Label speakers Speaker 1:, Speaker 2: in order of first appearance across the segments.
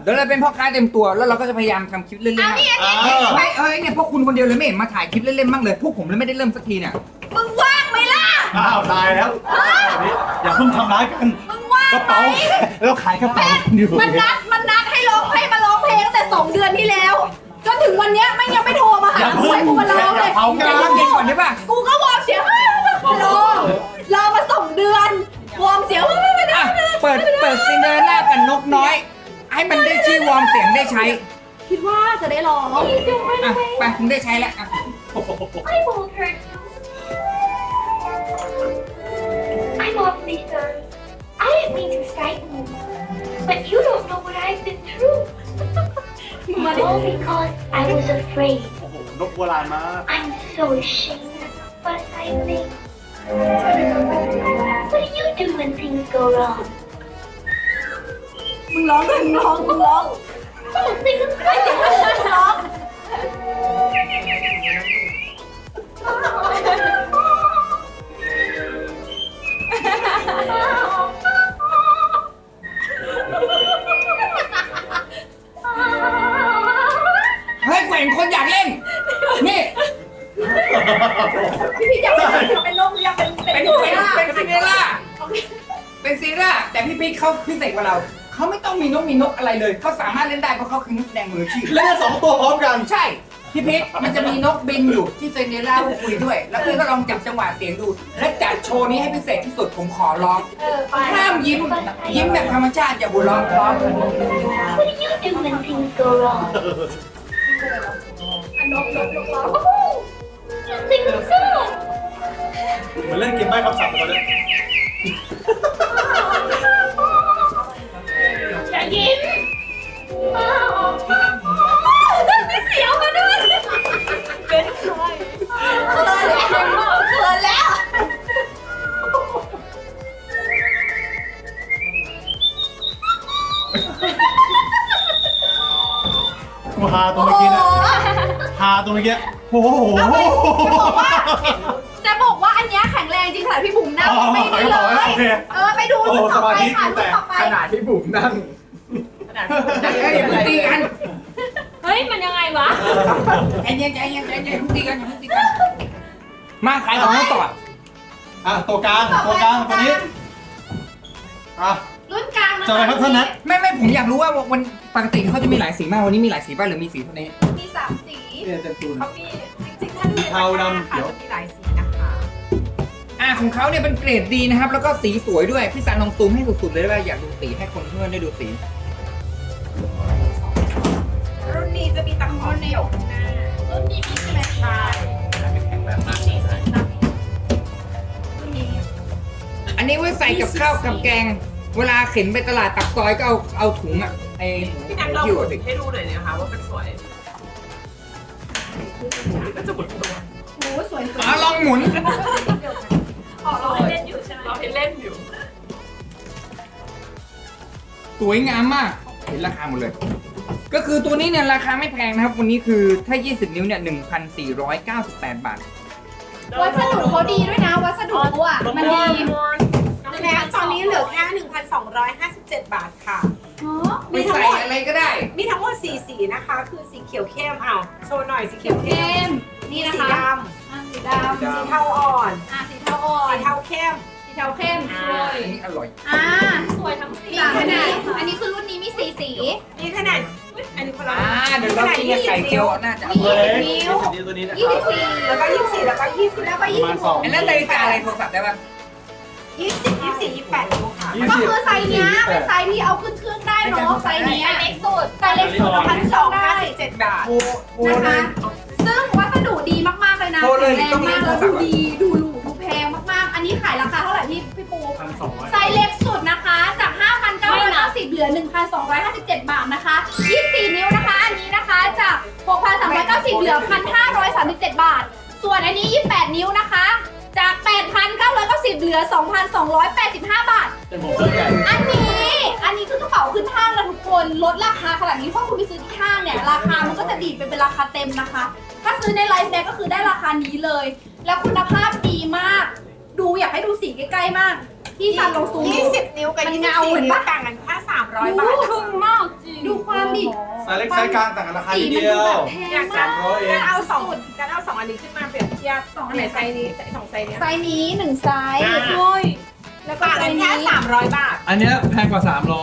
Speaker 1: เดี๋ยวเราเป็นพ่อค้าเต็มตัวแล้วเราก็จะพยายามทำคลิปเล่นๆบ้างไม่เนี่ยพวกคุณคนเดียวเลยไม่เห็นมาถ่ายคลิปเล่นๆบ้างเลยพวกผมเลยไม่ได้เริ่มสักทีเนี่ย
Speaker 2: มึงว่างไหมล่ะ
Speaker 3: อ้าวตายแล้วอย่าเพิ่งทำร้ายกัน
Speaker 2: มึงว่าง
Speaker 3: กระ
Speaker 2: ไหม
Speaker 3: เป๋าแล้วขายกระเป๋าอยู่
Speaker 2: มันนัดให้มาร้องเพลงตั้งแต่2 เดือนที่แล้วจนถึงวันเนี้ยไม่ยังไม่โทรมาหากูให้กูมาร้องเลย
Speaker 3: เอา
Speaker 1: ใจ
Speaker 3: กัน
Speaker 1: เย็นๆก่อนได้ป่ะ
Speaker 2: กูก็วอร์มเสียงรอมา2 เดือนวอร์มเสียงไม่ได้
Speaker 1: อ่ะเปิดซินเดอเรลล่ากับนกน้อย ให้มันได้ชื่อวอร์มเสียงได้ใช้
Speaker 2: คิดว่าจะได้ร้อง
Speaker 1: อ่ะไปคุณได้ใช้แล้วอ่ะ
Speaker 4: I won't hurt you. I'm awfully sorry. I didn't mean to frighten you. But you don't know what I've been through. All because I was afraid.
Speaker 3: โอ้โหนกโบราณมาก
Speaker 4: I'm so ashamed of the fuss I made. What do you do when things go wrong?
Speaker 2: มึงร้องเลยมึงร้อง
Speaker 4: Oh, things go
Speaker 2: ร้อง
Speaker 1: เฮ้ยกูเห็นคนอยากเล่นนี่
Speaker 2: พี่อยากเป็นลมอยากเป็น
Speaker 1: เป็นซินเดอเรลล่าเป็นซินเดอเรลล่าแต่พี่ปิ๊กเขาพิเศษกว่าเราเขาไม่ต้องมีนกอะไรเลยเขาสามารถเล่นได้เพราะเขาคือนักแสดงมืออาชีพ
Speaker 3: เล่นได้2 ตัวพร้อมกัน
Speaker 1: ใช่ พี่พิษมันจะมีนกบินอยู่ที่เซนเนล่าคุยด้วย แล้วพี่ก็ลองจับจังหวะเสียงดู และจัดโชว์นี้ให้พิเศษที่สุดผมขอร้อง
Speaker 2: ไป
Speaker 1: ห้ามยิ้มแบบธรรมชาติอย่าบุร้องพร้อม
Speaker 4: What do you do when things go wrong?
Speaker 2: นกร้อง
Speaker 4: Sing a song.
Speaker 3: เหมือนเล่นเกมใบ้คำศัพท์ตอนนี้
Speaker 4: อย่ายิ้ม
Speaker 2: มีเสียวมาด้วยเป็นใครเขินแล้ว
Speaker 3: กูฮาตัวเมื่อกี้นะฮาตัวเมื่อกี้โอ้โห
Speaker 2: จะบอกว่าอันเนี้ยแข็งแรงจริงค่ะพี่บุ๋มนั่งไม่ได้เลย
Speaker 3: โอเค
Speaker 2: ไปดูรูปต่อไปค่ะรูปต่อไป
Speaker 1: ขนาดที่บุ๋มนั่งเฮ้ยอย่าเพิ่งตีกัน
Speaker 5: เฮ้ย มันยังไงวะ
Speaker 1: ใจเย็นอย่าเพิ่งตีกันมาขายของต่อ
Speaker 3: อ่ะตัวกลางตัวนี้อ่ะ
Speaker 2: รุ่นกลาง
Speaker 3: จะอะไรครับท่านนัท
Speaker 1: ไม่ผมอยากรู้ว่าวันปกติเขาจะมีหลายสีมากวันนี้มีหลายสีป่ะหรือมีสีเท่านี้
Speaker 2: มี3 สี
Speaker 3: เนี่ยเต็มตูน
Speaker 6: เขามีจริงๆ ถ้าดูใน
Speaker 3: เทาดำเขียว
Speaker 6: จะมีหลายสีนะคะ
Speaker 1: ของเขาเนี่ยเป็นเกรดดีนะครับ แล้วก็สีสวยด้วยพี่สันลองซูมให้สุดๆเลยได้ป่ะอยากดูสีให้คนเพื่อนได้ดูสี
Speaker 6: รุ่นนี้จะมีตะขอเดี่ยวข้างหน้า
Speaker 2: รุ่นนี้มีใช่ไหม
Speaker 6: ใช่
Speaker 5: สีสัน
Speaker 2: รุ่นนี้
Speaker 1: อันนี้ไว้ใส่กับข้าวกับแกง เวลาเข็นไปตลาดตักซอยก็เอาถุงอะไอ้
Speaker 6: พี่นัทลอง
Speaker 1: หิ้ว
Speaker 6: หมุ
Speaker 1: อะ
Speaker 6: น
Speaker 1: สิ
Speaker 6: ให้ดูหน่อยนะคะว่ามันสวยก็จะหมุนตัว
Speaker 2: โอ้สวย
Speaker 1: ลองหมุน
Speaker 6: เราให้เล่นอยู่ใช่ไหมเราให้เล่นอยู่
Speaker 1: สวยงามมาก เห็นราคาหมดเลย ก็คือตัวนี้เนี่ยราคาไม่แพงนะครับ วันนี้คือถ้า 20 นิ้วเนี่ย 1,498 บาท
Speaker 2: วัสดุเขาดีด้วยนะวัสดุเขาอ่ะมันดี
Speaker 6: แม้ตอนนี้เหลือแค่ 1,257 บาทค่ะ
Speaker 1: ไม่ใส่อะไรก็ได้
Speaker 6: มีทั้งหมด4สีนะคะ คือสีเขียวเข้มอ้าวโชว์หน่อยสีเขียวเข้
Speaker 2: เข้
Speaker 6: ม
Speaker 2: มนี่นะ
Speaker 6: สี
Speaker 2: คะ
Speaker 6: ด
Speaker 2: สีด
Speaker 6: ำสีเทาอ่อน
Speaker 2: ำสีเทาอ่อ
Speaker 6: สี
Speaker 2: น
Speaker 6: เทาเข้ม
Speaker 2: สีเทาเข้มสวย
Speaker 1: อันนี้อร่อย
Speaker 5: สวยทั้งสี
Speaker 2: มีขนาดอันนี้คือรุ่นนี้มี4 สี
Speaker 6: มีขนาดอันนี้คนละ
Speaker 1: เดี๋ยวเรากินกับไก่เจียวน่าจะอ
Speaker 2: มี
Speaker 1: ร่อย
Speaker 2: 20 นิ้ว
Speaker 3: ตัวนี้นะ
Speaker 2: 24
Speaker 6: แล้วก็24แล้วก็20
Speaker 2: แล้วก็
Speaker 1: อันนั้นนาฬิกาอะไรโทรศัพท์ได้ป่ะ
Speaker 6: 24 28นิ้วค่ะ
Speaker 2: 26ก็คือไซส์เนี้ยเป็นไซส์ที่เอาขึ้นเครื่องได้เนาะไซส์เนี้ยเล็กสุดไซส์เล็กสุด1,257
Speaker 6: บาท
Speaker 2: นะคะ ซึ่งวัสดุดีมากๆเลยนะ
Speaker 1: โทรเลย
Speaker 2: แข็ง
Speaker 1: ต้อง
Speaker 2: แรง
Speaker 1: เรีย
Speaker 2: มาก
Speaker 1: กโทรศัพท์
Speaker 2: แล้วดูดีดูหรูดูแพงมากๆ อันนี้ขายราคาเท่าไหร่พี่ปู
Speaker 3: 1,200
Speaker 2: ไซส์เล็กสุดนะคะจาก 5,990 เหลือ 1,257 บาทนะคะ 24 นิ้วนะคะ อันนี้นะคะจาก 6,390 เหลือ 1,537 บาท ส่วนอันนี้ 28 นิ้วนะคะ จาก 8,990 เหลือ 2,285 บาท
Speaker 3: เป็นผมเสื้อใหญ่
Speaker 2: อันนี้คือกระเป๋าขึ้นห้างนะทุกคนลดราคาขนาดนี้เพราะคุณไปซื้อที่ห้างเนี่ยราคามันก็จะดีดไปเป็นราคาเต็มนะคะ ถ้าซื้อในไลฟ์แบ็กก็คือได้ราคานี้เลย แล้วคุณภาพดีมาก ดูอยากให้ดูสีใกล้ๆมากพี่ซันลงซูมดู
Speaker 6: 20 นิ้วกับ
Speaker 2: มัน
Speaker 6: 24
Speaker 2: เงาเห็น
Speaker 6: นิ้ว
Speaker 2: ปะ
Speaker 6: ต่างกันแค่300 บาท
Speaker 5: ครึ่งมากจริง
Speaker 2: ดูความดิ
Speaker 3: ไซส์เล็กไซส์กลางต่างกันราคา
Speaker 2: สี
Speaker 3: นิด
Speaker 2: มัน
Speaker 3: เดี
Speaker 2: ดู
Speaker 3: ยว
Speaker 2: แบบแพ
Speaker 6: อยาง ก
Speaker 2: มา
Speaker 6: จะ
Speaker 2: ก
Speaker 3: 100 เอง
Speaker 6: เอา2อันนี้ขึ้นมาเปรียบเทียบ
Speaker 2: สองอั
Speaker 6: อั
Speaker 2: น
Speaker 6: น
Speaker 2: ไห
Speaker 6: ไห
Speaker 2: น
Speaker 6: นไซส์นี้2ไซส์เนี้ย
Speaker 2: ไซส์นี้1ไซส์
Speaker 5: โอ้ย
Speaker 2: แล้วก็
Speaker 6: ต่าง
Speaker 2: ไซ
Speaker 6: กัน
Speaker 2: ส์
Speaker 6: แค่
Speaker 2: นี้
Speaker 6: 300 บาท
Speaker 3: อันเนี้ยแพงกว่า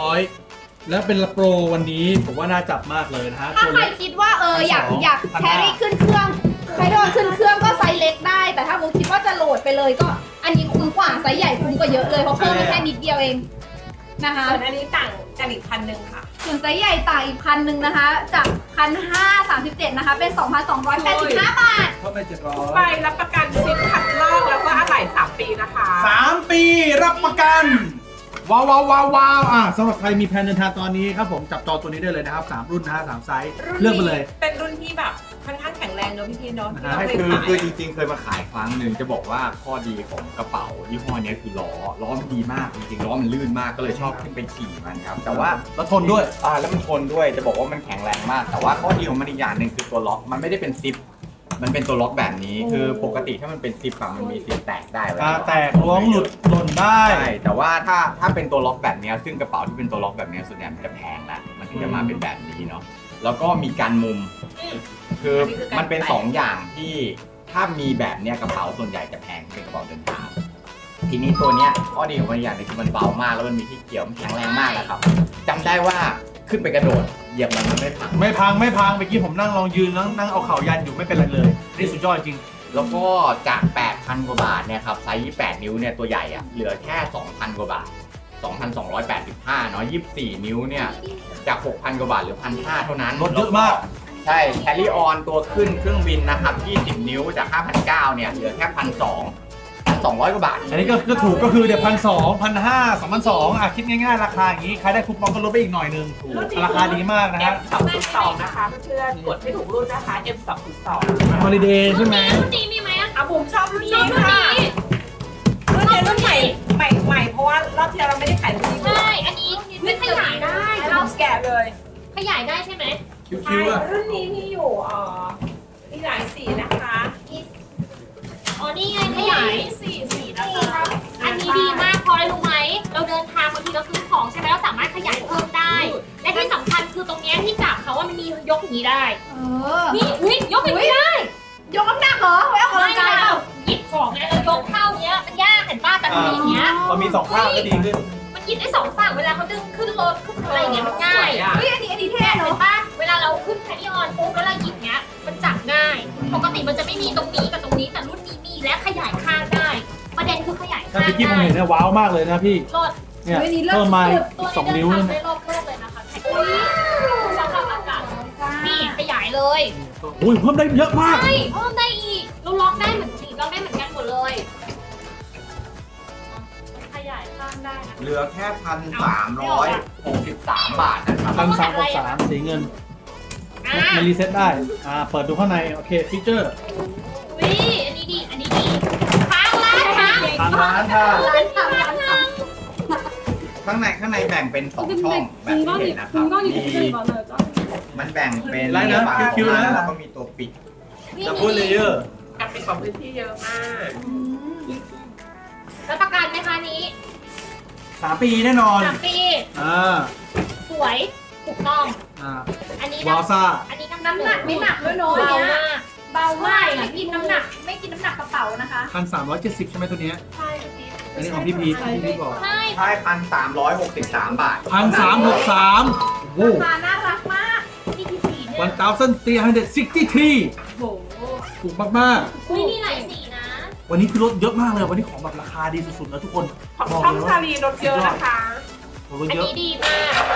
Speaker 3: 300 แล้วเป็นโปรวันนี้ผมว่าน่าจับมากเลยนะฮะ
Speaker 2: ถ้า
Speaker 3: ตัว
Speaker 2: ใคร
Speaker 3: เล็ก
Speaker 2: คิดว่าอยาก
Speaker 3: 1,200
Speaker 2: แครี่ขึ้นเครื่องใครโดนขึ้นเครื่องก็ไซส์เล็กได้ แต่ถ้ามุกคิดว่าจะโหลดไปเลยก็ อันนี้คุ้มกว่าไซส์ใหญ่คุ้มกว่าเยอะเลยเพราะเพิ่มมาแค่นิดเดียวเองนะคะ
Speaker 6: ส่วนอันนี้ต่างกันอีก1,000ค่ะ
Speaker 2: ส่วนไซส์ใหญ่ต่างอีก1,000นะคะ จาก1,537นะคะ เป็น 2,285 บาท
Speaker 3: เพิ่มไป
Speaker 6: ไปรับประกันซิปขัดลอกแล้วก็อะไหล่3 ปีนะคะ
Speaker 3: 700 3 ปีรับประกัน ว้าวว้าวว้าวว้าวสำหรับใครมีแผนเดินทางตอนนี้ครับผมจับจองตัวนี้ได้เลยนะครับ3รุ่นนะฮะ3ไซส์เลือกไปเลย
Speaker 6: เป็นรุ่นที่แบบค่อนข้างแข็งแรงเนอะพี่เนาะที่เรา
Speaker 1: ไม่
Speaker 6: เคย
Speaker 1: คือ
Speaker 6: ขาย
Speaker 1: คือจริงๆเคยมาขายครั้งหนึ่งจะบอกว่าข้อดีของกระเป๋ายี่ห้อเนี้ยคือล้อมันดีมากจริงๆล้อมันลื่นมากก็เลยชอบขึ้นไปขี่มันครับแต่ว่า
Speaker 3: แล้วทนด้วย
Speaker 1: แล้วมันทนด้วยจะบอกว่ามันแข็งแรงมาก แต่ว่าข้อดีของมันอีกอย่างหนึ่งคือตัวล็อกมันไม่ได้เป็นซิปมันเป็นตัวล็อกแบบนี้คือปกติถ้ามันเป็นซิปอะมันมีซิปแตกได้เวลา
Speaker 3: แตกล้วงหลุดหล่นได้
Speaker 1: ใช่แต่ว่าถ้าเป็นตัวล็อกแบบเนี้ยซึ่งกระเป๋าที่เป็นตัวล็อกแบบเนี้ยส่วนใหญ่มันจะแพงแหละมันถึงจะมาเป็นแบบนี้เนาะแล้วก็มีการมุม คือมันเป็นสองอย่างที่ถ้ามีแบบเนี้ยกระเป๋าส่วนใหญ่จะแพงเป็นกระเป๋าเดินทางทีนี้ตัวเนี้ยข้อดีของมันอย่างหนึงคือมันเบามากแล้วมันมีที่เกี่ยวมันแข็งแรงมากนะครับจำได้ว่าขึ้นไปกระโดดเหยียบมันไม่พัง
Speaker 3: ไม่พังเมื่อกี้ผมนั่งลองยืนนั่งเอาเข่ายันอยู่ไม่เป็นไรเลยนี่สุดยอดจริง
Speaker 1: แล้วก็จาก 8,000 กว่าบาทเนี่ยครับไซส์28 นิ้วเนี่ยตัวใหญ่อะเหลือแค่ 2,000 กว่าบาท 2,285 เนาะ24 นิ้วเนี่ยจาก 6,000 กว่าบาทเหลือ 1,500 เท่านั้น
Speaker 3: ลดเยอะมาก
Speaker 1: ใช่ carry on ตัวขึ้นเครื่องบินนะครับ 20 นิ้วจาก 5,900 เนี่ย เหลือแค่ 1,200 กว่าบาท
Speaker 3: อันนี้ก็ถูกก็คือเดี๋ยว1,200 1,500 2,200คิดง่ายๆราคาอย่างนี้ใครได้คูปองก็ลดไปอีกหน่อยนึงราคาดีมากนะฮะ
Speaker 6: M202 นะคะเพื่อนๆกดไม่ถูกรุ่นนะคะ M202
Speaker 3: ฮอลิเดย์ใช่ไหม
Speaker 5: รุ่นนี้มีไหมอะ
Speaker 6: อ่ะบุ๋มชอบรุ่น
Speaker 5: ชอบ
Speaker 6: นี้
Speaker 5: รุ่น
Speaker 6: ค่ะ
Speaker 5: นี้
Speaker 6: รุ่นนี้รุ่นใหม่เพราะว่ารอบที่แล้วเราไม่ได้ขายรุ่นนี้
Speaker 5: ใช่ อันนี้ไม่ขยายได้
Speaker 6: เราแกะเลย
Speaker 5: ขยายได้ใช่ไหม
Speaker 3: คิว
Speaker 6: ใช่
Speaker 3: ๆอะ
Speaker 6: รุ่นนี้มีอยู่มีหลายสีนะคะ
Speaker 5: อ๋อ นี่ไงขยายสีนะคะ อันนี้ดีมากเพราะอะไรรู้ไหม เราเดินทางบางทีเราซื้อของใช่ไหมเราสามารถขยายเพิ่มได้ และที่สำคัญคือตรงเนี้ยที่จับเขาว่ามันมียกอย่างนี้ได้ นี่อุ้ยยกอย่างนี้ได้
Speaker 2: ยกน้ำหนักเหรอไว้ออกกำลังกายเปล่า
Speaker 5: หยิบของเนี่ยเรายกเท่าเนี้ยมันยากเห็นป้าแต่ทีอย่างเงี้ย
Speaker 3: พอมี2ข้างก็ดีขึ้น
Speaker 5: มันหยิบได้สองฝั่งเวลาเขาดึงขึ้นรถขึ้นอะไรอย่างเงี้ยมันง่าย
Speaker 2: เฮ้ยอันนี้เท่
Speaker 5: เห็
Speaker 2: เนาะ
Speaker 5: นป่ะเวลาเราขึ้นแคริออนปุ๊บแล้วเราหยิบเนี้ยมันจับง่าย ปกติมันจะไม่มีตรงนี้กับตรงนี้แต่รุ่นนี้มีและขยายข้างได้ ประเด็นคือขยาย
Speaker 3: ถ้า
Speaker 5: ข้าง
Speaker 3: พี่กี้ผม
Speaker 5: ได้
Speaker 3: เห็นเนี่ยว้าวมากเลยนะพี่
Speaker 5: รถ
Speaker 3: เนี่ยเพิ่มมา
Speaker 5: ตัว
Speaker 3: 2
Speaker 5: นี้
Speaker 3: นิ้ว
Speaker 5: เดิน
Speaker 3: นั่น
Speaker 5: ทางได้รอบโลกเลยนะคะสำหรับอากาศนี่ขยายเลย
Speaker 3: อุ้ยเพิ่มได้เยอะมาก
Speaker 5: ใช่เพิ่มได้อีกเราล็อกได้เหมือนสีล็อกได้เหมือนกันหมดเลยขยายข้างได้นะ
Speaker 1: เหลือแค่ 1,363 บาทนะครับ
Speaker 3: 1,363สีเงิน
Speaker 5: อ่ะ
Speaker 3: มันรีเซ็ตได้เปิดดูข้างในโอเคฟีเจอร์
Speaker 5: วิอันนี้ดีอันนี้ดีค้างร้านค้าง
Speaker 3: ทางร้านค่ะ
Speaker 2: ร้านทำร้านท
Speaker 1: ข้างในแบ่งเป็น 2 ช่องแบบที่เห็นนะครับมันแบ่งเป็น
Speaker 3: ไรนะ
Speaker 1: ฝา
Speaker 3: คิวๆนะ
Speaker 1: แล้วก็มีตัวปิด
Speaker 3: ดับเบิลเลเยอร์
Speaker 6: กับเป็นของพื้นที่เยอะมาก
Speaker 5: แล้วประกันไหมคะนี้
Speaker 3: 3 ปีแน่นอน
Speaker 5: 3 ปี สวย ถูกต้อง อันนี้
Speaker 3: วาวซ่า
Speaker 5: อันนี้
Speaker 2: ำน้ำหนักไม่หนักด้วยเนาะ
Speaker 5: เบา
Speaker 2: เนี่ย
Speaker 5: มาก
Speaker 2: เบามากไม่กินน้ำหนักไม่กินน้ำหนักกระเป๋านะคะ
Speaker 3: 1,370 ใช่ไหมตัวเนี้ย
Speaker 6: ใช่
Speaker 3: อันนี้ของพี่พีทบอก
Speaker 5: ใช่
Speaker 1: ใช่ 1,363 บาท
Speaker 3: 1,363โว้
Speaker 2: ราคาน่ารักมาก
Speaker 5: นี่ที่สีเนี่ย
Speaker 3: 1,363
Speaker 5: โอ้โห
Speaker 3: ถูกมาก
Speaker 5: อุ้ยมีหลายสีนะ
Speaker 3: ๆ วันนี้คือลดเยอะมากเลย วันนี้ของแบบราคาดีสุดๆนะทุกคน บอก
Speaker 6: ช่อง
Speaker 3: เลย
Speaker 6: ชา
Speaker 3: ว่า
Speaker 6: ลีรถเยอะนะคะ
Speaker 3: ลด
Speaker 5: อัน
Speaker 3: เยอะ
Speaker 5: นี้ดีมาก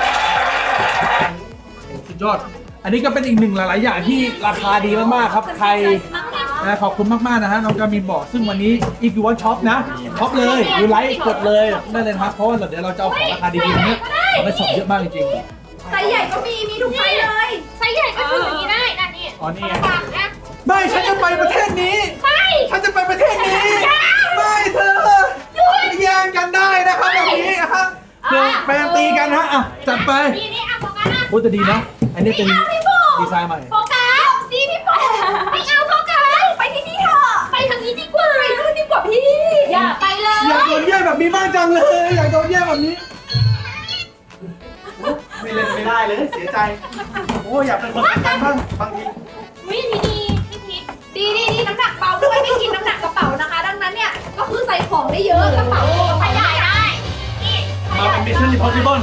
Speaker 3: สุดยอด อันนี้ก็เป็นอีกหนึ่งหลายๆอย่างที่ราคาดีมากๆครับ ใครนะขอบคุณมากๆนะฮะน้องกามินบอกซึ่งวันนี้ if you want shop นะช็อปเลยดูไลค์กดเลยได้เลยนะครับเพราะว่าเดี๋ยวเราจะเอาของราคาดีๆเนี้ยเอาไปช็อปเยอะมากจริง
Speaker 2: ไซส์ใหญ่ก็มีทุกไซส์เลย
Speaker 5: ไซส์ใหญ่ก็คืออย่างนี้ได้นะนี่
Speaker 3: อ๋อนี่ไง
Speaker 5: ฝากนะ
Speaker 3: ๆไม่ฉันจะไปประเทศนี้
Speaker 5: ไม่
Speaker 3: ฉันจะไปประเทศนี้ไม่เธอแย่งกันได้นะครับแบบนี้นะครับเพื่อแฟนตีกันฮะอ่ะจัดไป
Speaker 5: นี่เอาโฟกัสนะ
Speaker 3: โอ้แต่ดีนะ อันนี้เป็นดีไซน์ใหม่
Speaker 5: โฟกัสสิพี่ปอไม่เอาโฟกัส
Speaker 2: ไปที่นี่เถอะ
Speaker 5: ไปทางนี้ดีกว่า
Speaker 2: ไปนู่นดีกว่าพี่
Speaker 5: อย่าไปเลย
Speaker 3: อยากโดนแย่งแบบมีมากจังเลย อยากโดนแย่งแบบนี้ ไม่เล่นไม่ได้เลยเสียใจ โอ้อยากเป็นคนสำคัญบ้างบางที
Speaker 5: วิธีดีพี่พีท
Speaker 2: ดีน้ำหนักเบาด้วยไม่กินน้ำหนักกระเป๋านะคะ ดังนั้นเนี่ยก็คือใส่ของได้เยอะกระเป๋า
Speaker 5: ขยายได้ นี่
Speaker 3: มาเป็น Mission Impossible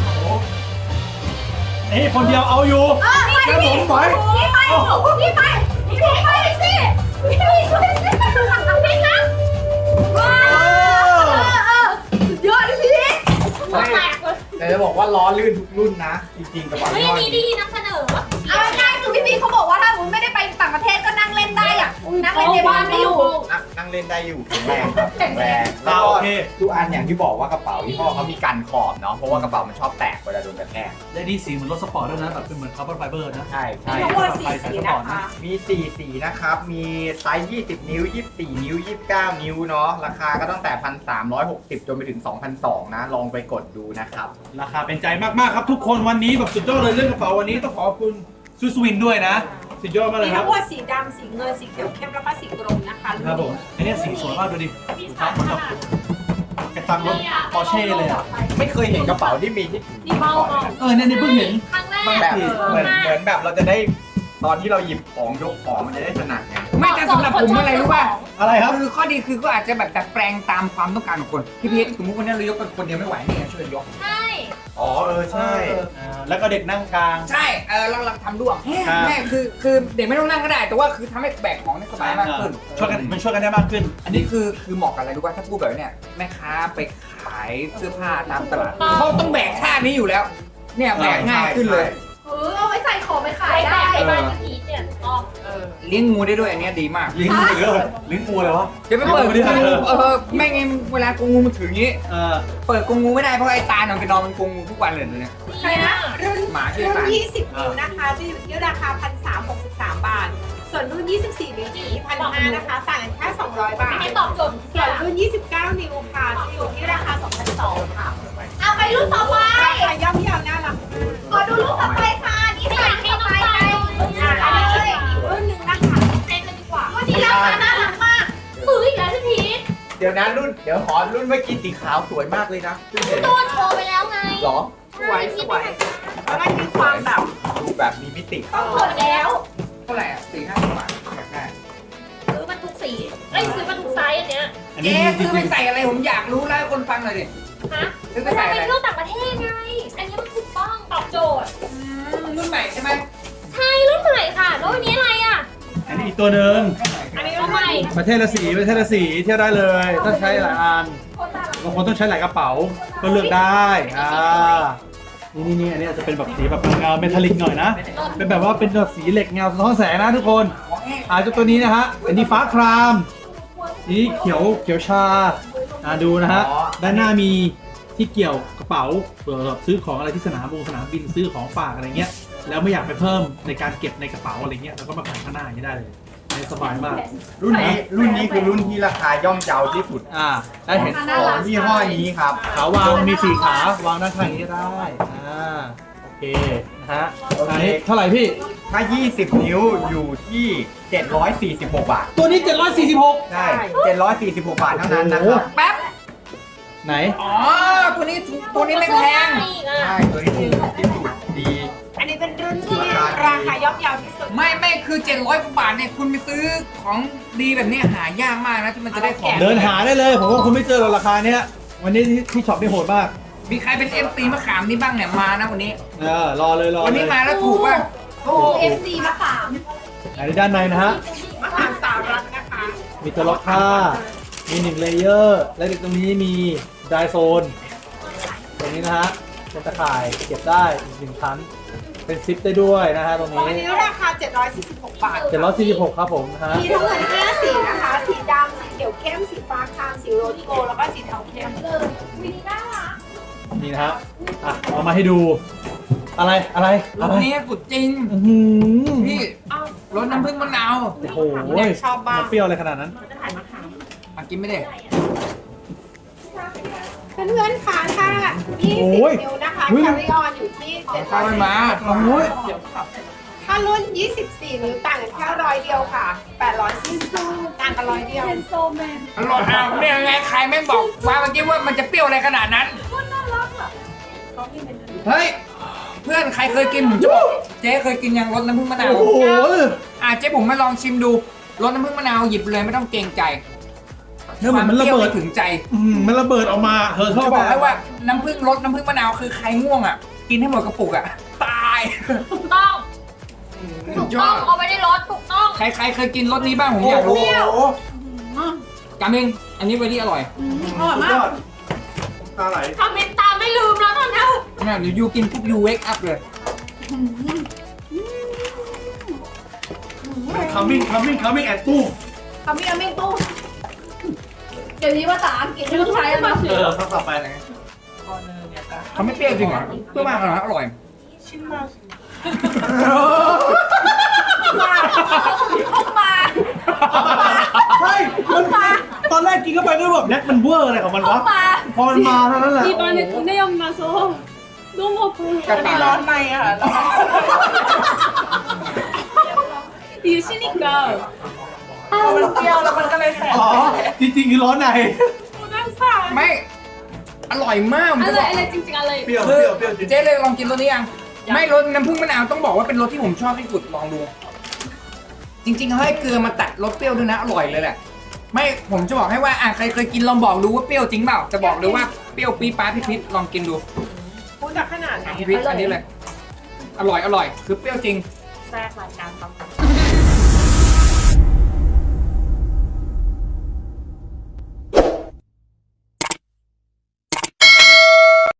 Speaker 3: นี่คนเดียวเอาอยู่
Speaker 2: ไปพี่ไปพี่ไปพี่ไปสิพี่ด้วยสิพี่นะว้าวสุดยอดพี่
Speaker 5: หัวแตกเลย
Speaker 1: แต่จะบอกว่าล้อลื่นทุกรุ่นนะ จริงๆกระเป๋า
Speaker 5: เฮ้ย
Speaker 1: ยี่
Speaker 5: อั
Speaker 1: ห้
Speaker 5: น
Speaker 1: อ
Speaker 5: นี้
Speaker 1: นี้
Speaker 5: ดีนำเสนอ
Speaker 2: เอาง่ายๆคือพี่เขาบอกว่าถ้าคุณไม่ได้ไปต่างประเทศก็นั่งเล่นได้อะนั่งเล่นในบ้านได้อยู่
Speaker 1: นั่งเล่นได้อยู่แข็งแรงครับแข็งแรง
Speaker 3: อ่า
Speaker 1: แล้ว
Speaker 3: โอ
Speaker 1: ก็
Speaker 3: เค
Speaker 1: ทุกอันอย่างที่บอกว่ากระเป๋ายี่ห้อเขามีกันขอบเนาะเพราะว่ากระเป๋ามันชอบแตกเวลาโดนกระแทก
Speaker 3: และนี่สีเหมือนรถสปอร์ตด้วยนะแบบเป็นเหมือนคาร์บอนไฟเบอร์นะ
Speaker 1: ใช่
Speaker 6: มี
Speaker 1: ใช่
Speaker 6: ทั้งหมด4สีนะคะ
Speaker 1: มี4สีนะครับ มีไซส์ 20 นิ้ว 24 นิ้ว 29 นิ้วเนาะ ราคาก็ตั้งแต่ 1,360 จนไปถึง 2,200 นะ ลองไปกดดูนะครับ
Speaker 3: ราคาเป็นใจมากๆครับทุกคนวันนี้แบบสุดยอดเลยเรื่องกระเป๋าวันนี้ต้องขอบคุณซูสวินด้วยนะ สุดยอดมากเล
Speaker 6: มี
Speaker 3: ยค
Speaker 6: ทั้
Speaker 3: รับ
Speaker 6: งหมดสีดำสีเงินสีเขียวเข้มแล้วก็สีกรมนะคะ
Speaker 3: ครับผมอันนี้สีสวยมากดูดิครับเหมือนแบบกระตังรถปอร์เช่เลยอ่ะ
Speaker 1: ไม่เคยเห็นกระเป๋าที่มีที่
Speaker 5: นี่เบา
Speaker 3: เนี่ยเพิ่งเห็น
Speaker 5: ครั้งแรก
Speaker 1: แบบเหมือนแบบเราจะได้ตอนที่เราหยิบของยกของมันจะได้ถนัดไง
Speaker 7: ไม่แต่สำหรับผมอะไรรู้ป่ะ
Speaker 3: อะไรครับ
Speaker 7: คือข้อดีคือก็อาจจะแบบดัดแปลงตามความต้องการของคนพี่พีทสมมติวันนี้เรายกเป็นคนเดียวไม่ไหวนี่ไงช่วยยก
Speaker 5: ใช่
Speaker 1: อ๋อใช่
Speaker 3: แล้วก็เด็กนั่งกลาง
Speaker 7: ใช่เราทำด้วย
Speaker 3: ครับ
Speaker 7: แม่คือเด็กไม่ต้องนั่งก็ได้ แต่ว่าคือทำให้แบกของได้สบายมากขึ้น
Speaker 3: ช่วยกันมันช่วยกันได้มากขึ้น
Speaker 7: อันนี้คือเหมาะกับอะไรรู้ป่ะถ้าพูดแบบเนี้ยแม่ค้าไปขายเสื้อผ้าตามตลาดเขาต้องแบกท่านี้อยู่แล้ว เนี่ยแบกง่ายขึ้นเลย
Speaker 2: เอาไว้ใส่ของไปขาย
Speaker 5: ไปแบ
Speaker 2: ได้
Speaker 5: กไปบ้านพี่พีทเนี่ยต้อง
Speaker 7: เลี้ยงงูได้ด้วยอันเนี้ยดีมาก
Speaker 3: ลิงก์เลยลิงก์งูเลยวะ
Speaker 7: เดี๋ยวไปเปิด
Speaker 3: ไม่ได้
Speaker 7: ไม่งั้นเวลากงูมันถืออย่างงี้ เปิดกรงงูไม่ได้เพราะไอ้ตาหนอนไปนอนมันกรงงูทุกวันเลยเนี่ย
Speaker 2: ใครนะ
Speaker 6: รุ่น
Speaker 7: หมาชื่อ
Speaker 6: รุ่น
Speaker 7: ตา
Speaker 6: 20 นิ้วนะคะจะอยู่ที่ราคา 1,363 บาท ส่วนรุ่น 24 นิ้วจะอยู่ที่1,500 นะคะ ต่างกันแค่ 200 บาท
Speaker 5: ให้ตอบโจทย์
Speaker 6: ส่วนรุ่น 29 นิ้วค่ะจะอยู่ที่ราคา 2,200 ค่ะ
Speaker 2: เอาไปรุ่นต่อไป
Speaker 6: ราคาย่อมเยาวน่ารัก
Speaker 2: ขอดูรูปต่อไปค่ะ นี่ค่ะรุ่นต่อไปไปอันนี้เลย
Speaker 6: รุ่นหนึ่งนะคะ
Speaker 5: เซ็นเลยดีกว่า
Speaker 2: รุ่นนี้ราคาน่ารักมาก
Speaker 5: ซื้ออีกแล้วพี่พีท
Speaker 1: เดี๋ยวนะรุ่น เดี๋ยวขอรุ่นเมื่อกี้สีขาวสวยมากเลยนะเพิ่งเห็น
Speaker 5: ตัวโชว์ไปแล้วไง
Speaker 1: หรอ
Speaker 6: สวยแล้วมันมีความแบบ
Speaker 1: ดูแบบมีมิติ
Speaker 2: หมดแล้ว
Speaker 7: เท่าไหร่อ่ะ4-5 บาทอยากได้
Speaker 5: ซื้อมาทุกสีเอ้ยซื้อมาทุกไซส์อันเนี้ย
Speaker 3: อันนี้
Speaker 7: เอ๊ะ
Speaker 3: จริ
Speaker 7: ซื้อไป
Speaker 3: ง
Speaker 7: ใส่อะไรผมอยากรู้แล้วให้คนฟังหน่อยดิ
Speaker 5: ฮะ
Speaker 7: ซื้อไป
Speaker 5: มัน
Speaker 7: ใส่
Speaker 5: ไป
Speaker 7: อะไร
Speaker 5: เที่ยวต่างประเทศไง อันนี้มันถูกต้องตอบโจทย์
Speaker 7: รุ่นใหม่ใช่ไหม
Speaker 5: ใช่รุ่นใหม่ค่ะ แล้วอันนี้อะไรอ่ะ
Speaker 3: อันนี้อีกตัวหนึ่ง
Speaker 5: อันนี้รุ่นใหม่
Speaker 3: ประเทศละสีเที่ยวได้เลยต้องใช้หลายอันบางคนต้องใช้หลายกระเป๋าก็เลือกได้นี่อันนี้อาจจะเป็นแบบสีแบบเงาเมทัลลิกหน่อยนะ เป็นแบบว่าเป็นแบบสีเหล็กเงาสะท้อนแสงนะทุกคน อาจจะตัวนี้นะฮะอันนี้ฟ้าครามสีเขียวชาดูนะฮะด้านหน้ามีที่เกี่ยวกระเป๋าเผื่อซื้อของอะไรที่สนามบินซื้อของฝากอะไรเงี้ยแล้วไม่อยากไปเพิ่มในการเก็บในกระเป๋าอะไรเงี้ยเราก็มาแขวนข้างหน้าอย่างนี้ได้เลยสบายมาก
Speaker 1: รุ่นนี้คือรุ่นที่ราคาย่อมเยาที่สุด
Speaker 3: ได้เห็น
Speaker 1: ของยี่ห้อนี้ครับ
Speaker 3: ขาวางมี4 ขาวางด้านข้างนี้ได้โอเคนะฮะอันนี้เท่าไหร่พี่
Speaker 1: ถ้า 20 นิ้วอยู่ที่ 746 บาท
Speaker 3: ตัวนี้ 746
Speaker 1: ใช่746 บาทเท่านั้นนะครับ
Speaker 7: แป๊บ
Speaker 3: ไหน
Speaker 7: อ๋อ ตัวนี้ถูกตัวนี้ไม่แพง
Speaker 1: ใช่ตัวนี้ถูกที่สุดดี
Speaker 6: อันนี้เป็นรุ่นที่ราคาย่อมเยาวที่สุด
Speaker 7: ไม่คือ700 กว่าบาทเนี่ยคุณไปซื้อของดีแบบเนี้ยหายากมากนะที่มันจะได้ของ
Speaker 3: เดินหาได้เลยผมว่าคุณไม่เจอหรอกราคาเนี้ยวันนี้ที่ช็อปนี่โหดมาก
Speaker 7: มีใครเป็น MC มะขามนี่บ้างเนี่ยมานะวันนี้
Speaker 3: รอเลย
Speaker 7: วันนี้มาแล้วถูกป่ะ
Speaker 2: FC มะขาม
Speaker 3: อันนี้ด้านในนะฮะ
Speaker 6: มหาสารัตนะคะ
Speaker 3: มีตัวล็อกผ้ามี1 เลเยอร์และตรงนี้มีไดโซนตรงนี้นะฮะเป็นตะข่ายเก็บได้อีก1 ชั้นเป็นซิปได้ด้วยนะฮะตรง
Speaker 6: อัน
Speaker 3: นี้
Speaker 6: นี้ราคา 746 บาท
Speaker 3: 746ครับผมนะฮะ
Speaker 6: มีทั้งหมด5สีนะคะ สีดำ สีเขียวเข้ม สีฟ้าคราม สีโรสโกลด์แล้วก็สีเทาเข้ม
Speaker 2: วินีน่ารัก
Speaker 3: นี่นะฮะเอามาให้ดูอะไร
Speaker 7: รถนี้สุดจริง
Speaker 3: อื้อหือ
Speaker 7: พี่รถน้ำผึ้งมะนาว
Speaker 3: โอ้โห
Speaker 6: ชอบบ้าง
Speaker 3: มันเปรี้ยวอะไรขนาดนั้น
Speaker 7: อ่ะกินไม่ได้
Speaker 6: เพื่อนๆค่ะถ้า
Speaker 3: โอ้ย
Speaker 6: 20 นิ้วนะคะ
Speaker 3: เฮ้ย
Speaker 6: แคริออนอยู่ที่
Speaker 7: ข้าวมันมา
Speaker 3: โอ้ย
Speaker 6: ถ้ารุ่น 24 นิ้วต่างกันแค่100 เดียวค่ะต่างกัน100เดียว
Speaker 2: เป็นโซแมน
Speaker 7: อร่อยอ้าวเนี่ยไงใครแม่งบอกว่าเมื่อกี้ว่ามันจะเปรี้ยวอะไรขนาดนั้น เฮ้ย เพื่อนใครเคยกินผมจะบอกเจ๊เคยกินยังรสน้ำผึ้งมะนาว
Speaker 3: โอ้โห
Speaker 7: เจ๊ผมมาลองชิมดูรสน้ำผึ้งมะนาวหยิบเลยไม่ต้องเกรงใจ
Speaker 3: เนื้อเหมือนมันระเบิด
Speaker 7: ถึงใจ
Speaker 3: มันระเบิดออกมาเธอชอบ
Speaker 7: จะบอกให้ว่าน้ำผึ้งรสน้ำผึ้งมะนาวคือใครง่วงอ่ะ กินให้หมดกระปุกอ่ะ ตาย
Speaker 5: ถูกต้อง
Speaker 7: สุ
Speaker 5: ถู
Speaker 7: ด
Speaker 5: ก
Speaker 7: ย
Speaker 5: ต้
Speaker 7: อ
Speaker 5: อง
Speaker 7: ด
Speaker 5: เอาไว้ในรถถูกต้อง
Speaker 7: ใครเคยกินรสนี้บ้างผมอยากรู้กามิงอันนี้เวลี่อร่อย
Speaker 2: อร่อยมาก
Speaker 3: ตาไหล
Speaker 5: ทำเป็นตามไม่ลืมแล้วตอนนี้
Speaker 7: เนี่ยเดี๋ยวยูกินปุ๊บยูเวกอัพเลย
Speaker 3: coming and boom
Speaker 2: คำนี้ไม่ตู้เดี๋ยวนี้ภาษาอังกฤษไม่ต้องใช้แล้วนะ
Speaker 3: คำต่อไปเลย
Speaker 7: เขาไม่เปรี้ยวจริงเหรอเปรี้ยวมากเลยนะอร่อย
Speaker 2: ออกมา
Speaker 3: ใช่มันตอนแรกกินเข้าไปก็แบบแน็กมันเวอร์อะไรของมัน
Speaker 2: ออ
Speaker 3: วะ
Speaker 2: กมา
Speaker 3: พอมันมาเท่านั้นแหละ
Speaker 8: 입안에 군대역 나서 너무 아파요.
Speaker 7: กระต่าย
Speaker 6: ร้อนในอ่ะ
Speaker 8: 이게 쉬니까
Speaker 6: มันเปรี้ยวแล้วมันก็เลยแสบ
Speaker 3: อ๋อ จริงๆคือร้อนใน
Speaker 8: 부담사.
Speaker 7: ไม่ อร่อยมากผมจะบอก
Speaker 8: 알레 찡찡 알레.
Speaker 3: เปรี้ยว
Speaker 7: คือ
Speaker 3: เปรี้ยวจริง
Speaker 7: เจ๊เลยลองกินรสนี้ยัง ไม่รสน้ำผึ้งมะนาวต้องบอกว่าเป็นรสที่ผมชอบที่สุดลองดู จริงๆเขาให้เกลือมาตัดรสเปรี้ยวด้วยนะอร่อยเลยแหละ ไม่ผมจะบอกให้ว่าใครเคยกินลองบอกดูว่าเปรี้ยวจริงเปล่าจะบอกเลยว่าเปรี้ยวปี๊ดป๊าดพิษลองกินดู
Speaker 6: พูดจากขนาดไหน
Speaker 7: พิษอันนี้เลย อร่อยคือเปรี้ยวจริง
Speaker 6: แทรกรายการทำ